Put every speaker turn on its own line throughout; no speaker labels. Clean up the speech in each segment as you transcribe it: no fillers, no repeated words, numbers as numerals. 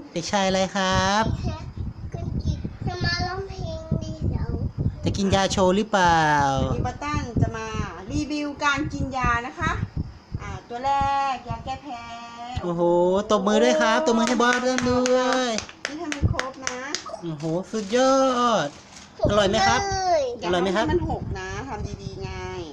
เด็กชายอะไรครับ
คุณกิจจะมาร้องเพลงดีเดี๋ยว
จะกินยาโชว์หรือเปล่า
วันนี้ป้าตั้นจะมารีวิวการกินยานะคะตัวแรกยาแก้แพ้
โอ้โหตบมือด้วยครับตบมือให้บอสด้วย
นี่ทำให้ครบนะ
โอ้โหสุดยอด อร่อยไหมครับ
อย่า
อร่อยไหมครับ
ทำให้มันหกนะทำดีๆไง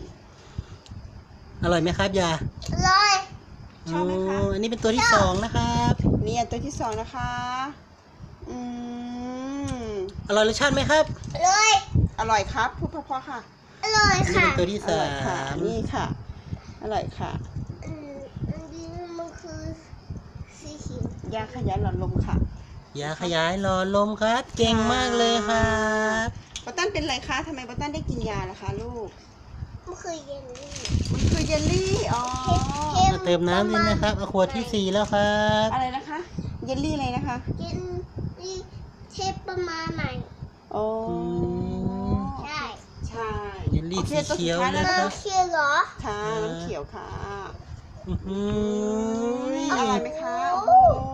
อร่อยไหมครับยา
อร่อย
ชอบไหมคะ
โอันนี้เป็นตัวที่สองนะครับ
นี่อันตัวที่สองนะคะอืม
อร่อยรสชาติไหมครับ
อร่อย
อร่อยครับพูดเพราะๆค่ะ
อร่อย
อันนี้
ค่ะ
เป็นตัวที่
อ
สา
ร่อยค่ะ
ม
นี่ค่ะอร่อยค่ะ
อันนี้มันคือสีเขียวย
าขยายหลอดลมค่ะ
ยาขยายหลอดลมครับ เก่งมากเลยครับ
ป้าตั้นเป็นไรคะทำไมป้าตั้นได้กินยาล่ะคะลูก
มันคือเยลลี่
มันคือเยลลี่อ๋อ
มาเติมน้ำด้วยนะครับเอาขวดที่สี่แล้วครับ
อะไรนะคะเยลลี่อะไรนะคะ
เยลลี่เทปประมาณไหน
โอ้
ใช่
ใช่
เยลลี่
โอค
สีเขียว
ตัวสุดท้า
เลย
แล้
ครับ
เขียวเหรอ
ค่ะน้ำเขียวค่ะ
อื้อหื
อ
อ
ร่อยไหมคะโอ้โห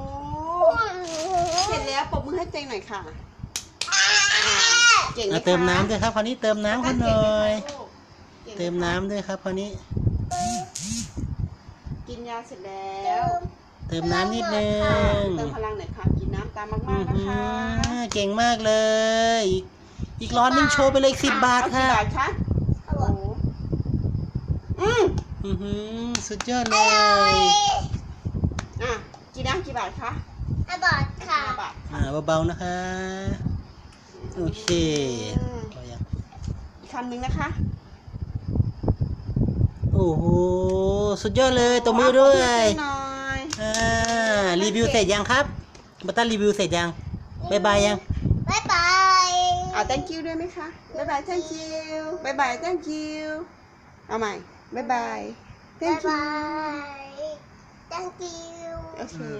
เสร็จแล้วปรบมือให้เจงหน่อยค่ะเก่งไหม
เอา
คะ
เติมน้ำด้วยครับคราวนี้เติมน้ำกันหน่อย
เก่งไหคะ
เติมน้ำด้วยครับคราวนี้
กินยาเสร็จแล้
เติ
ว
ม
เติมน้ำนิดนึง
เติมพลังหน่อยค่ะกินน้ำตามมาก
อื้อ
ๆนะ
หื
คะ
อเก่งมากเลย อีกร้อนหนึงโชว์ไปเลย10 บาท
เอ
ค่ะ
กี่บาทคะ
อร่อย
อื้อหือสุดยอดเล
อร่อย
ย
กี่น้ำกี่บาทคะ
อร่อยค่ะ
5 บาท
เบาๆนะคะ โอเคพอยัง
อีกคำหนึ่งนะคะ
โอ้โหสุดยอดเลยตบมือด้วย
หน่อย
รีวิวเสร็จยังครับบัตตันรีวิวเสร็จยังบายบายยัง
บ๊ายบาย
thank you ด้วยไหมคะบ๊ายบาย thank you บ๊ายบาย thank you เอาใหม่บ๊ายบาย
บ๊าย
thank you
บาย thank you
โอเค